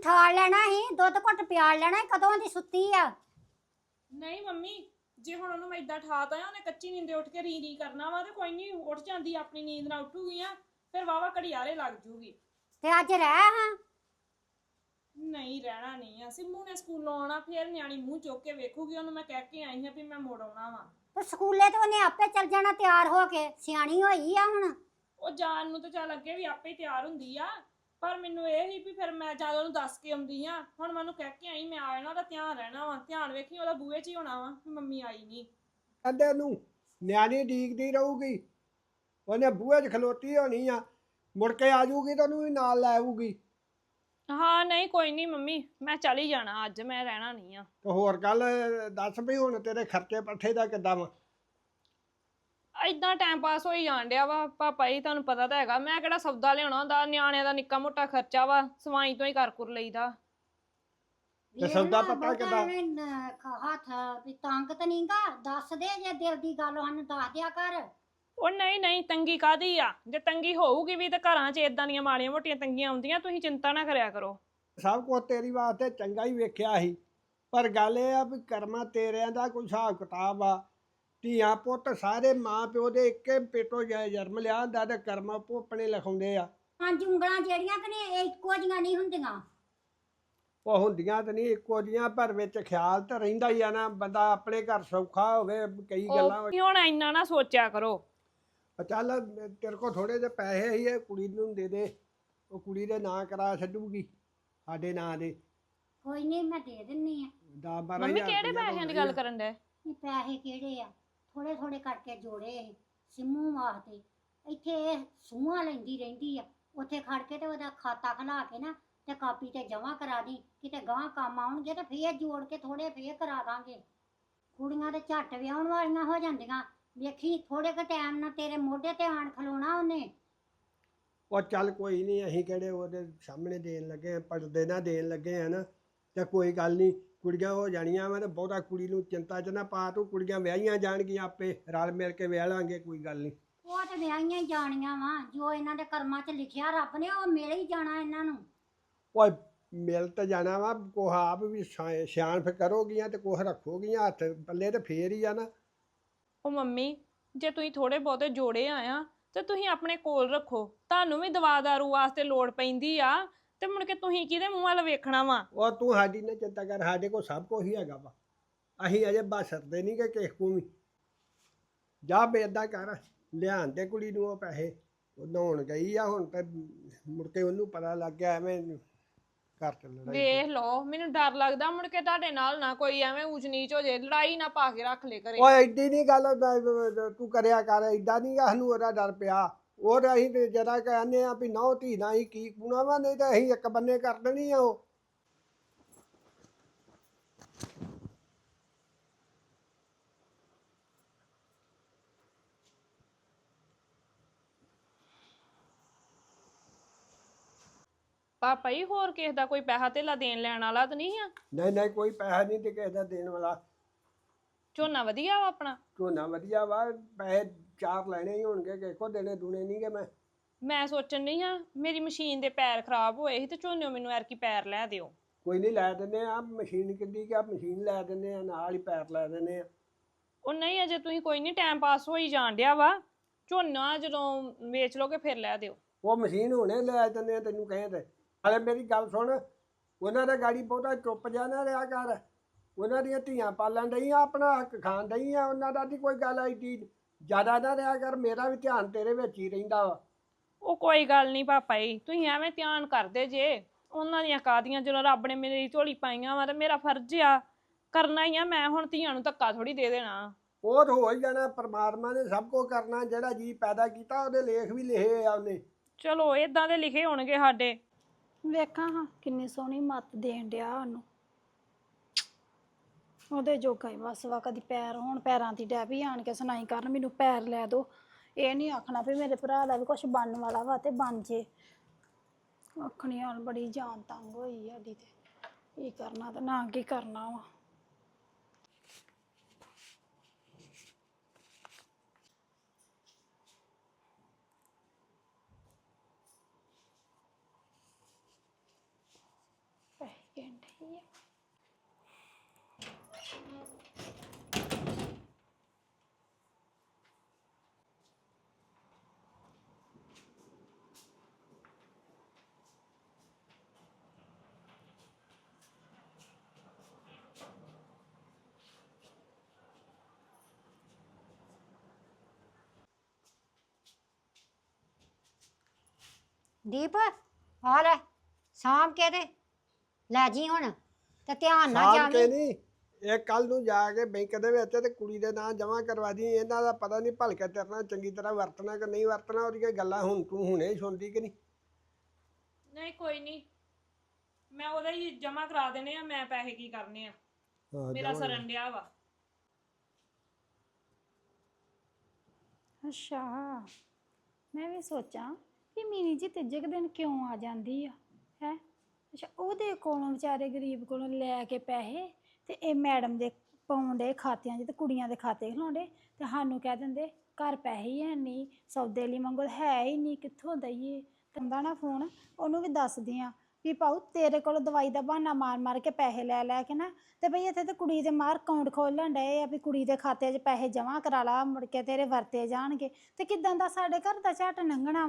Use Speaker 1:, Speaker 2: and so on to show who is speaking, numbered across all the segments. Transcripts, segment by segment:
Speaker 1: ਠਾਲ ਲੈਣਾ ਸੀ, ਦੁੱਧ ਘੁੱਟ ਪਿਆਲ ਲੈਣਾ ਸੀ, ਕਦੋਂ ਦੀ ਸੁੱਤੀ ਆ।
Speaker 2: ਨਹੀਂ ਮੰਮੀ, ਜੇ ਹੁਣ ਉਹਨੂੰ ਮੈਂ ਇਦਾਂ ਠਾਤਾ ਆ, ਉਹਨੇ ਕੱਚੀ ਨੀਂਦੇ ਉੱਠ ਕੇ ਰੀ ਕਰਨਾ ਵਾ, ਤੇ ਕੋਈ ਨਹੀਂ ਉੱਠ ਜਾਂਦੀ, ਆਪਣੀ ਨੀਂਦ ਨਾਲ ਉੱਠੂਗੀ ਆ, ਫਿਰ ਵਾਵਾ ਘੜੀਆਰੇ ਲੱਗ ਜੂਗੀ।
Speaker 1: ਤੇ ਅੱਜ ਰਹਿ ਹਾਂ।
Speaker 2: ਨਹੀਂ ਰਹਿਣਾ ਨਹੀਂ ਆ, ਸਿੰਮੂ ਨੇ ਸਕੂਲੋਂ ਆਉਣਾ, ਫਿਰ ਨਿਆਣੀ ਮੂੰਹ ਚੁੱਕ ਕੇ ਵੇਖੂਗੀ, ਉਹਨੂੰ ਮੈਂ ਕਹਿ ਕੇ ਆਈ ਹਾਂ ਵੀ ਮੈਂ ਮੁੜ ਆਉਣਾ ਵਾ।
Speaker 1: ਤੇ ਸਕੂਲੇ ਤੇ ਉਹਨੇ ਆਪੇ ਚੱਲ ਜਾਣਾ ਤਿਆਰ ਹੋ ਕੇ, ਸਿਆਣੀ ਹੋਈ ਆ ਹੁਣ।
Speaker 2: ਉਹ ਜਾਣ ਨੂੰ ਤਾਂ ਚੱਲ ਅੱਗੇ ਵੀ ਆਪੇ ਹੀ ਤਿਆਰ ਹੁੰਦੀ ਆ, ਪਰ ਮੈਨੂੰ ਇਹ ਸੀ ਵੀ ਫਿਰ ਮੈਂ ਜਦ ਉਹਨੂੰ ਦੱਸ ਕੇ ਆਉਂਦੀ ਆ, ਹੁਣ ਮੈਂ ਉਹਨੂੰ ਕਹਿ ਕੇ ਆਈ ਮੈਂ ਆ ਜਾਣਾ, ਉਹਦਾ ਧਿਆਨ ਰਹਿਣਾ ਵਾ, ਧਿਆਨ ਵੇਖੀ ਉਹਦਾ ਬੂਹੇ 'ਚ ਹੀ ਹੋਣਾ ਵਾ ਵੀ ਮੰਮੀ ਆਈ ਨਹੀਂ।
Speaker 3: ਕਹਿੰਦੇ ਨੂੰ ਨਿਆਣੀ ਡੀਕਦੀ ਰਹੂਗੀ, ਉਹਨੇ ਬੂਹੇ 'ਚ ਖਲੋਤੀ ਹੋਣੀ ਆ, ਮੁੜ ਕੇ ਆ ਜਾਊਗੀ ਤਾਂ ਉਹਨੂੰ ਵੀ ਨਾਲ ਲੈ ਆਊਗੀ।
Speaker 2: ਹਾਂ ਨਹੀਂ ਕੋਈ ਨਹੀਂ ਮੰਮੀ, ਮੈਂ ਚੱਲ ਹੀ ਜਾਣਾ ਅੱਜ, ਮੈਂ ਰਹਿਣਾ ਨਹੀਂ ਆ।
Speaker 3: ਤੇ ਹੋਰ ਗੱਲ ਦੱਸ ਵੀ ਹੁਣ ਤੇਰੇ ਖਰਚੇ ਪੱਠੇ ਦਾ ਕਿੱਦਾਂ ਵਾ?
Speaker 2: ਇਦਾਂ ਟਾਈਮ ਪਾਸ ਹੋਈ ਜਾਣ ਡਿਆ ਵਾ ਪਾਪਾ ਜੀ, ਤੁਹਾਨੂੰ ਪਤਾ ਤਾਂ ਹੈਗਾ, ਮੈਂ ਕਿਹੜਾ ਸੌਦਾ ਲਿਆਉਣਾ ਹੁੰਦਾ, ਨਿਆਣਿਆਂ ਦਾ ਨਿੱਕਾ ਮੋਟਾ ਖਰਚਾ ਵਾ, ਸਵਾਈ ਤੋਂ ਹੀ ਕਰ ਕੁਰ ਲਈਦਾ।
Speaker 3: ਤੇ ਸੌਦਾ ਪਤਾ ਕਿੱਦਾਂ?
Speaker 1: ਹੱਥ ਵੀ ਤੰਗ ਤਾਂ ਨਹੀਂਗਾ, ਦੱਸ ਦੇ ਜੇ ਦਿਲ ਦੀ ਗੱਲ ਸਾਨੂੰ ਦੱਸ ਦਿਆ ਕਰ।
Speaker 2: ਉਹ ਨਹੀਂ ਨਹੀਂ, ਤੰਗੀ ਕਾਦੀ ਆ, ਜੇ ਤੰਗੀ ਹੋਊਗੀ ਵੀ ਤਾਂ ਘਰਾਂ 'ਚ ਇਦਾਂ ਦੀਆਂ ਮਾੜੀਆਂ ਮੋਟੀਆਂ ਤੰਗੀਆਂ ਆਉਂਦੀਆਂ, ਤੁਸੀਂ ਚਿੰਤਾ ਨਾ ਕਰਿਆ ਕਰੋ।
Speaker 3: ਸਭ ਕੁਝ ਤੇਰੀ ਵਾਸਤੇ ਚੰਗਾ ਹੀ ਵੇਖਿਆ ਸੀ, ਪਰ ਗੱਲ ਇਹ ਆ ਵੀ ਕਰਮਾਂ ਤੇਰਿਆਂ ਦਾ ਕੋਈ ਹਿਸਾਬ ਕਿਤਾਬ ਆ। ਧੀਆਂ ਪੁੱਤ ਸਾਰੇ ਮਾਂ ਪਿਓ ਦੇ ਇੱਕੇ ਪੇਟੋਂ ਜਨਮ ਲਿਆ ਹੁੰਦਾ, ਤੇ ਕਰਮਾਂ ਭੋਪਣੇ ਲਿਖਾਉਂਦੇ ਆ।
Speaker 1: ਪੰਜ ਉਂਗਲਾਂ ਜਿਹੜੀਆਂ ਕਿ ਨੇ ਇਹ ਇੱਕੋ ਜੀਆਂ ਨਹੀਂ ਹੁੰਦੀਆਂ।
Speaker 3: ਉਹ ਹੁੰਦੀਆਂ ਤਾਂ ਨਹੀਂ ਇੱਕੋ ਜੀਆਂ, ਪਰ ਵਿੱਚ ਖਿਆਲ ਤਾਂ ਰਹਿੰਦਾ ਹੀ ਆ ਨਾ, ਬੰਦਾ ਆਪਣੇ ਘਰ ਸੌਖਾ ਹੋਵੇ, ਕਈ ਗੱਲਾਂ।
Speaker 2: ਉਹ ਹੁਣ ਇੰਨਾ ਨਾ ਸੋਚਿਆ ਕਰੋ।
Speaker 3: ਚੱਲ ਤੇਰੇ ਕੋਲ ਥੋੜੇ ਜਿਹੇ ਪੈਸੇ ਹੀ ਇਹ ਕੁੜੀ ਨੂੰ ਦੇ ਦੇ, ਉਹ ਕੁੜੀ ਦੇ ਨਾਂ ਕਰਾ ਛੱਡੂਗੀ ਸਾਡੇ ਨਾਂ ਦੇ।
Speaker 1: ਕੋਈ ਨਹੀਂ, ਮੈਂ ਦੇ ਦਿੰਨੀ ਆ।
Speaker 3: 10-12
Speaker 2: ਮੰਮੀ ਕਿਹੜੇ ਪੈਸਿਆਂ ਦੀ ਗੱਲ ਕਰਨ ਡਏ?
Speaker 1: ਇਹ ਪੈਸੇ ਕਿਹੜੇ ਆ, ਥੋੜੇ ਥੋੜੇ ਕਰਕੇ ਜੋੜੇ ਇਹ ਸਿੰਮੂ ਵਾਸਤੇ। ਇੱਥੇ ਇਹ ਸੂਹਾਂ ਲੈਂਦੀ ਰਹਿੰਦੀ ਆ, ਉੱਥੇ ਖੜ ਕੇ ਤੇ ਉਹਦਾ ਖਾਤਾ ਖਲਾ ਕੇ ਨਾ ਤੇ ਕਾਪੀ ਤੇ ਜਮਾ ਕਰਾ ਦੀ, ਕਿਤੇ ਗਾਂ ਕੰਮ ਆਉਣਗੇ ਤੇ ਫੇਰ ਜੋੜ ਕੇ ਥੋੜੇ ਫੇਰ ਕਰਾ ਦਾਂਗੇ। ਕੁੜੀਆਂ ਤੇ ਝੱਟ ਵਿਆਹਣ ਵਾਲੀਆਂ ਹੋ ਜਾਂਦੀਆਂ, ਵੇਖੀ ਥੋੜੇ ਕੁ ਟਾਈਮ ਨਾਲ ਤੇਰੇ ਮੋਢੇ ਤੇ ਆਣ ਖਲੋਣਾ ਉਹਨੇ।
Speaker 3: ਉਹ ਚੱਲ ਕੋਈ ਨਹੀਂ, ਅਸੀਂ ਕਿਹੜੇ ਉਹਦੇ ਸਾਹਮਣੇ ਦੇਣ ਲੱਗੇ ਆ, ਪਰਦੇ ਨਾ ਦੇਣ ਲੱਗੇ ਆ ਨਾ, ਤੇ ਕੋਈ ਗੱਲ ਨਹੀਂ, ਕੁੜੀਆਂ ਹੋ ਜਾਣੀਆਂ ਵਾ, ਤੇ ਬਹੁਤਾ ਕੁੜੀ ਨੂੰ ਚਿੰਤਾ 'ਚ ਨਾ ਪਾ ਤੂੰ, ਕੁੜੀਆਂ ਵਿਆਹੀਆਂ ਜਾਣਗੀਆਂ, ਆਪੇ ਰਲ ਮਿਲ ਕੇ ਵਿਆਹ ਲਾਂਗੇ, ਕੋਈ ਗੱਲ ਨਹੀਂ।
Speaker 1: ਉਹ ਤੇ ਵਿਆਹੀਆਂ ਹੀ ਜਾਣੀਆਂ ਵਾ, ਜੋ ਇਹਨਾਂ ਦੇ ਕਰਮਾਂ 'ਚ ਲਿਖਿਆ ਰੱਬ ਨੇ ਉਹ ਮਿਲ ਹੀ ਜਾਣਾ ਇਹਨਾਂ ਨੂੰ।
Speaker 3: ਉਹ ਮਿਲ ਤਾਂ ਜਾਣਾ ਵਾ, ਕੋਹ ਆਪ ਵੀ ਸਿਆਣਪ ਕਰੋਗੀਆਂ ਤੇ ਕੋਹ ਰੱਖੋਗੀਆਂ ਹੱਥ ਪੱਲੇ, ਤੇ ਫੇਰ ਹੀ ਆ ਨਾ।
Speaker 2: ਉਹ ਮੰਮੀ, ਜੇ ਤੁਸੀਂ ਥੋੜੇ ਬਹੁਤੇ ਜੋੜੇ ਆਇਆ ਤੇ ਤੁਸੀਂ ਆਪਣੇ ਕੋਲ ਰੱਖੋ, ਤੁਹਾਨੂੰ ਵੀ ਦਵਾ ਦਾਰੂ ਵਾਸਤੇ ਲੋੜ ਪੈਂਦੀ ਆ, ਤੇ ਮੁੜ ਕੇ ਤੁਸੀਂ ਕਿਹਦੇ ਮੂੰਹ ਵੱਲ ਵੇਖਣਾ ਵਾ?
Speaker 3: ਉਹ ਤੂੰ ਸਾਡੀ ਨਾ ਚਿੰਤਾ ਕਰ, ਸਾਡੇ ਕੋਲ ਸਭ ਕੁਝ ਹੀ ਹੈਗਾ ਵਾ, ਅਸੀਂ ਅਜੇ ਬਸਰਦੇ ਨਹੀਂ ਕਿ ਕਿਸੇ ਕੋਲ ਵੀ। ਜਾ ਬੇਦਾਂ ਕਰ, ਲਿਆਣ ਦੇ ਕੁੜੀ ਨੂੰ ਉਹ ਪੈਸੇ, ਉਹ ਨਹਾਉਣ ਗਈ ਆ ਹੁਣ, ਤੇ ਮੁੜ ਕੇ ਉਹਨੂੰ ਪਤਾ ਲੱਗ ਗਿਆ ਐਵੇਂ ਘਰ ਚ ਲੜਾਈ।
Speaker 2: ਵੇਖ ਲਓ, ਮੈਨੂੰ ਡਰ ਲੱਗਦਾ ਮੁੜ ਕੇ ਤੁਹਾਡੇ ਨਾਲ ਨਾ ਕੋਈ ਐਵੇਂ ਊਚ ਨੀਚ ਹੋ ਜੇ, ਲੜਾਈ ਨਾ ਪਾ ਕੇ ਰੱਖ ਲੈ ਘਰੇ।
Speaker 3: ਓਏ ਐਡੀ ਨਹੀਂ ਗੱਲ ਤੂੰ ਕਰਿਆ ਕਰ, ਏਦਾਂ ਨਹੀਂ ਸਾਨੂੰ ਉਹਦਾ ਡਰ ਪਿਆ। ਉਹ ਤਾਂ ਅਸੀਂ ਤੇ ਜਰਾ ਕਹਿੰਦੇ ਆ ਵੀ ਨਹੁੰ ਧੀ ਨਾਲ ਹੀ ਕੀ ਕੂਣਾ ਵਾ, ਨਹੀਂ ਤਾਂ ਅਸੀਂ ਇੱਕ ਬੰਨੇ ਕਰ ਦੇਣੀ ਆ ਉਹ।
Speaker 2: ਪਾਪਾ ਜੀ, ਹੋਰ ਕਿਸੇ ਦਾ ਕੋਈ ਪੈਸਾ ਧੇਲਾ ਦੇਣ ਲੈਣ ਵਾਲਾ ਤਾਂ ਨਹੀਂ ਆ?
Speaker 3: ਨਹੀਂ ਨਹੀਂ, ਕੋਈ ਪੈਸਾ ਨਹੀਂ ਤੇ ਕਿਸੇ ਦਾ ਦੇਣ ਵਾਲਾ।
Speaker 2: ਝੋਨਾ ਵਧੀਆ ਵਾ ਆਪਣਾ?
Speaker 3: ਝੋਨਾ ਵਧੀਆ ਵਾ, ਪੈਸੇ 4 ਲੈਣੇ ਹੀ ਹੋਣਗੇ, ਕਿਸੇ ਕੋ ਦੇਣੇ ਦੂਣੇ ਨਹੀਂ ਗੇ।
Speaker 2: ਮੈਂ ਸੋਚਣ ਨਹੀਂ ਆ, ਮੇਰੀ ਮਸ਼ੀਨ ਦੇ ਪੈਰ ਖਰਾਬ ਹੋਏ ਸੀ, ਤੇ ਝੋਨੇ ਮੈਨੂੰ ਐਰਕੀ ਪੈਰ ਲੈ ਦਿਓ।
Speaker 3: ਕੋਈ ਨਹੀਂ, ਲੈ ਦਿੰਦੇ ਆ, ਮਸ਼ੀਨ ਕਿੱਡੀ ਕਿ ਮਸ਼ੀਨ ਲੈ ਦਿੰਦੇ ਆ, ਨਾਲ ਹੀ ਪੈਰ ਲੈ ਦਿੰਦੇ ਆ।
Speaker 2: ਉਹ ਨਹੀਂ, ਅਜੇ ਤੁਸੀਂ ਕੋਈ ਨਹੀਂ, ਟਾਈਮ ਪਾਸ ਹੋਈ ਜਾਣ ਡਿਆ ਵਾ, ਝੋਨਾ ਜਦੋਂ ਵੇਚ ਲੋਗੇ ਫਿਰ ਲੈ ਦਿਓ।
Speaker 3: ਉਹ ਮਸ਼ੀਨ ਹੁਣੇ ਲੈ ਦਿੰਦੇ ਆ, ਤੈਨੂੰ ਕਹੇ ਤੇ। ਹਾਲੇ ਮੇਰੀ ਗੱਲ ਸੁਣ, ਉਹਨਾਂ ਦਾ ਗਾੜੀ ਬਹੁਤਾ ਚੁੱਪ ਜਾ ਨਾ ਰਿਹਾ ਕਰ, ਉਹਨਾਂ ਦੀਆਂ ਧੀਆਂ ਪਾਲਣ ਡਈਆਂ, ਆਪਣਾ ਹੱਕ ਖਾਣ ਡਈਆਂ, ਉਹਨਾਂ ਦਾ ਨਹੀਂ ਕੋਈ ਗੱਲ ਆਈ ਜ਼ਿਆਦਾ ਨਾ ਰਿਹਾ ਕਰ, ਮੇਰਾ ਵੀ ਧਿਆਨ ਤੇਰੇ ਵਿੱਚ ਹੀ ਰਹਿੰਦਾ ਵਾ।
Speaker 2: ਉਹ ਕੋਈ ਗੱਲ ਨਹੀਂ ਪਾਪਾ ਜੀ, ਤੁਸੀਂ ਐਵੇਂ ਧਿਆਨ ਕਰਦੇ ਜੇ, ਉਹਨਾਂ ਦੀਆਂ ਕਾਦੀਆਂ, ਜਦੋਂ ਰੱਬ ਨੇ ਮੇਰੀ ਝੋਲੀ ਪਾਈਆਂ ਵਾ ਤੇ ਮੇਰਾ ਫਰਜ਼ ਆ ਕਰਨਾ ਹੀ ਆ, ਮੈਂ ਹੁਣ ਧੀਆਂ ਨੂੰ ਧੱਕਾ ਥੋੜੀ ਦੇ ਦੇਣਾ।
Speaker 3: ਉਹ ਤਾਂ ਹੋ ਹੀ ਜਾਣਾ, ਪਰਮਾਤਮਾ ਨੇ ਸਭ ਕੁਝ ਕਰਨਾ, ਜਿਹੜਾ ਜੀ ਪੈਦਾ ਕੀਤਾ ਉਹਦੇ ਲੇਖ ਵੀ ਲਿਖੇ ਆ ਉਹਨੇ।
Speaker 2: ਚਲੋ ਇਦਾਂ ਦੇ ਲਿਖੇ ਹੋਣਗੇ ਸਾਡੇ।
Speaker 4: ਵੇਖਾਂ ਹਾਂ ਕਿੰਨੀ ਸੋਹਣੀ ਮੱਤ ਦੇਣ ਡਿਆ ਉਹਨੂੰ, ਉਹਦੇ ਜੋਗਾ ਹੀ ਬਸ ਵਾ। ਕਦੀ ਪੈਰ ਹੋਣ, ਪੈਰਾਂ ਦੀ ਡੈ ਵੀ ਆਣ ਕੇ ਸੁਣਾਈ ਕਰਨ ਮੈਨੂੰ ਪੈਰ ਲੈ ਦੋ, ਇਹ ਨਹੀਂ ਆਖਣਾ ਵੀ ਮੇਰੇ ਭਰਾ ਦਾ ਵੀ ਕੁਛ ਬਣਨ ਵਾਲਾ ਵਾ ਤੇ ਬਣ ਜੇ। ਆਖਣੀ ਹਾਲ ਬੜੀ ਜਾਨ ਤੰਗ ਹੋਈ ਸਾਡੀ, ਤੇ ਕੀ ਕਰਨਾ ਤੇ ਨਾ ਕੀ ਕਰਨਾ ਵਾ।
Speaker 1: ਦੀਪ ਆ ਲੈ ਸਾਂਭ ਕੇ ਤੇ ਲੈ ਜੀ ਹੁਣ ਤੇ ਧਿਆਨ ਨਾਲ
Speaker 3: ਸਾਂਭ ਕੇ
Speaker 1: ਜਾਵੀਂ।
Speaker 3: ਨਹੀਂ, ਇਹ ਕੱਲ ਨੂੰ ਜਾ ਕੇ ਬੈਂਕ ਦੇ ਵਿੱਚ ਤੇ ਕੁੜੀ ਦੇ ਨਾਂ ਜਮ੍ਹਾਂ ਕਰਵਾ ਦੀ। ਇਹਨਾਂ ਦਾ ਪਤਾ ਨਹੀਂ ਭਲਕੇ ਤੇਰੇ ਨਾਲ ਚੰਗੀ ਤਰ੍ਹਾਂ ਵਰਤਣਾ ਕਿ ਨਹੀਂ ਵਰਤਣਾ, ਉਹਦੀਆਂ ਗੱਲਾਂ ਹੁਣ ਤੂੰ ਹੁਣੇ ਹੀ ਸੁਣਦੀ ਕਿ ਨਹੀਂ।
Speaker 2: ਨਹੀਂ ਕੋਈ ਨਹੀਂ, ਮੈਂ ਉਹਦਾ ਹੀ ਜਮਾ ਕਰਾ ਦੇਣੇ ਆ। ਮੈਂ ਪੈਸੇ ਕੀ ਕਰਨੇ ਆ,
Speaker 3: ਹਾਂ,
Speaker 2: ਮੇਰਾ
Speaker 3: ਜਮਾਂ
Speaker 2: ਸਰਨ ਡਿਆ ਵਾ।
Speaker 4: ਅੱਛਾ, ਮੈਂ ਵੀ ਸੋਚਾਂ ਕਿ ਮੀਨੀ ਜੀ ਤੀਜੇ ਕੁ ਦਿਨ ਕਿਉਂ ਆ ਜਾਂਦੀ ਆ ਹੈ। ਅੱਛਾ, ਉਹਦੇ ਕੋਲੋਂ ਵਿਚਾਰੇ ਗਰੀਬ ਕੋਲੋਂ ਲੈ ਕੇ ਪੈਸੇ ਤੇ ਇਹ ਮੈਡਮ ਦੇ ਪਾਉਂਦੇ ਖਾਤਿਆਂ 'ਚ ਤੇ ਕੁੜੀਆਂ ਦੇ ਖਾਤੇ ਖਲਾਉਂਦੇ ਤੇ ਸਾਨੂੰ ਕਹਿ ਦਿੰਦੇ ਘਰ ਪੈਸੇ ਹੀ ਹੈ ਨਹੀਂ, ਸੌਦੇ ਲਈ ਮੰਗੋ ਹੈ ਹੀ ਨਹੀਂ, ਕਿੱਥੋਂ ਦਈਏ। ਤੰਦਾ ਨਾ ਫੋਨ ਉਹਨੂੰ ਵੀ ਦੱਸਦੀ ਆ ਵੀ ਪਾਉ ਤੇਰੇ ਕੋਲ ਦਵਾਈ ਦਾ ਬਹਾਨਾ ਮਾਰ ਮਾਰ ਕੇ ਪੈਸੇ ਲੈ ਲੈ ਕੇ ਨਾ ਤੇ ਬਈ ਇੱਥੇ ਤੇ ਕੁੜੀ ਦੇ ਮਾਰ ਅਕਾਊਂਟ ਖੋਲਣ ਡਏ ਆ ਵੀ ਕੁੜੀ ਦੇ ਖਾਤੇ 'ਚ ਪੈਸੇ ਜਮ੍ਹਾਂ ਕਰਾ ਲਾ, ਮੁੜ ਕੇ ਤੇਰੇ ਵਰਤੇ ਜਾਣਗੇ ਤੇ ਕਿਦਾਂ ਦਾ ਸਾਡੇ ਘਰ ਦਾ ਝੱਟ ਲੰਘਣਾ।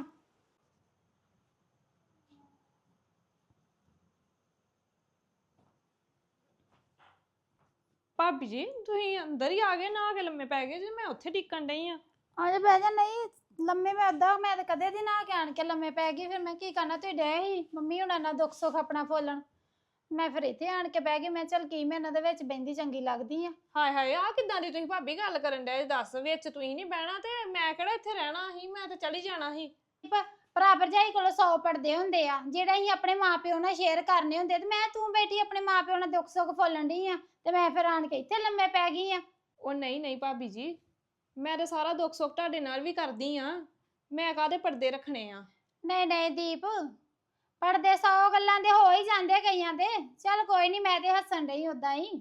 Speaker 2: ਭਾਬੀ ਜੀ ਤੁਸੀਂ ਅੰਦਰ ਹੀ ਆ ਗਏ, ਨਾ ਕੇ ਲੰਮੇ ਪੈ ਗਏ ਜੀ? ਮੈਂ ਉੱਥੇ ਟਿਕਣ ਡਈ ਆ।
Speaker 4: ਆਜਾ ਬਹਿ ਜਾ। ਨਹੀਂ ਲੰਮੇ ਮੈਂ ਅੱਧਾ ਮੈਂ ਤਾਂ ਕਦੇ ਦੀ ਨਾ ਕੇ ਆਣ ਕੇ ਲੰਮੇ ਪੈ ਗਈ, ਫਿਰ ਮੈਂ ਕੀ ਕਰਨਾ। ਤੁਸੀਂ ਡਏ ਸੀ ਮੰਮੀ ਹੁਣਾਂ ਨਾਲ ਦੁੱਖ ਸੁੱਖ ਆਪਣਾ ਫੋਲਣ, ਮੈਂ ਫਿਰ ਇੱਥੇ ਆਣ ਕੇ ਬਹਿ ਗਈ। ਮੈਂ ਚੱਲ ਕੀ ਮੈਂ ਇਹਨਾਂ ਦੇ ਵਿੱਚ ਬਹਿੰਦੀ ਚੰਗੀ ਲੱਗਦੀ ਆ।
Speaker 2: ਹਾਏ ਹਾਏ, ਆ ਕਿਦਾਂ ਦੀ ਤੁਸੀਂ ਭਾਬੀ ਗੱਲ ਕਰਨ ਡਏ? ਦੱਸ, ਵਿੱਚ ਤੁਸੀਂ ਨਹੀਂ ਬਹਿਣਾ ਤੇ ਮੈਂ ਕਿਹੜਾ ਇੱਥੇ ਰਹਿਣਾ ਸੀ, ਮੈਂ ਤਾਂ ਚਲੀ ਜਾਣਾ ਸੀ।
Speaker 4: ਭਰਾ ਭਰਜਾਈ ਕੋਲੋਂ 100 ਪੜਦੇ ਹੁੰਦੇ ਆ ਜਿਹੜੇ ਅਸੀਂ ਆਪਣੇ ਮਾਪਿਓ ਨਾਲ ਸ਼ੇਅਰ ਕਰਨੇ ਹੁੰਦੇ, ਤੇ ਮੈਂ ਤੂੰ ਬੈਠੀ ਆਪਣੇ ਮਾਪਿਓ ਨਾਲ ਦੁੱਖ ਸੁੱਖ ਫੋਲਣ ਡਈ ਆ ਤੇ ਮੈਂ ਫਿਰ ਆਣ ਕੇ ਇੱਥੇ ਲੰਮੇ ਪੈ ਗਈ ਆ।
Speaker 2: ਉਹ ਨਹੀਂ ਨਹੀਂ ਭਾਬੀ ਜੀ, ਮੈਂ ਤਾਂ ਸਾਰਾ ਦੁੱਖ ਸੁੱਖ ਤੁਹਾਡੇ ਨਾਲ ਵੀ ਕਰਦੀ ਆ, ਮੈਂ ਕਾਹਦੇ ਪਰਦੇ ਰੱਖਣੇ ਆ।
Speaker 4: ਨਹੀਂ ਨਹੀਂ ਦੀਪ, ਪੜਦੇ 100 ਗੱਲਾਂ ਦੇ ਹੋ ਹੀ ਜਾਂਦੇ ਕਈਆਂ ਦੇ। ਚੱਲ ਕੋਈ ਨਹੀਂ, ਮੈਂ ਤੇ ਹੱਸਣ ਡਈ ਉਦਾਂ ਹੀ।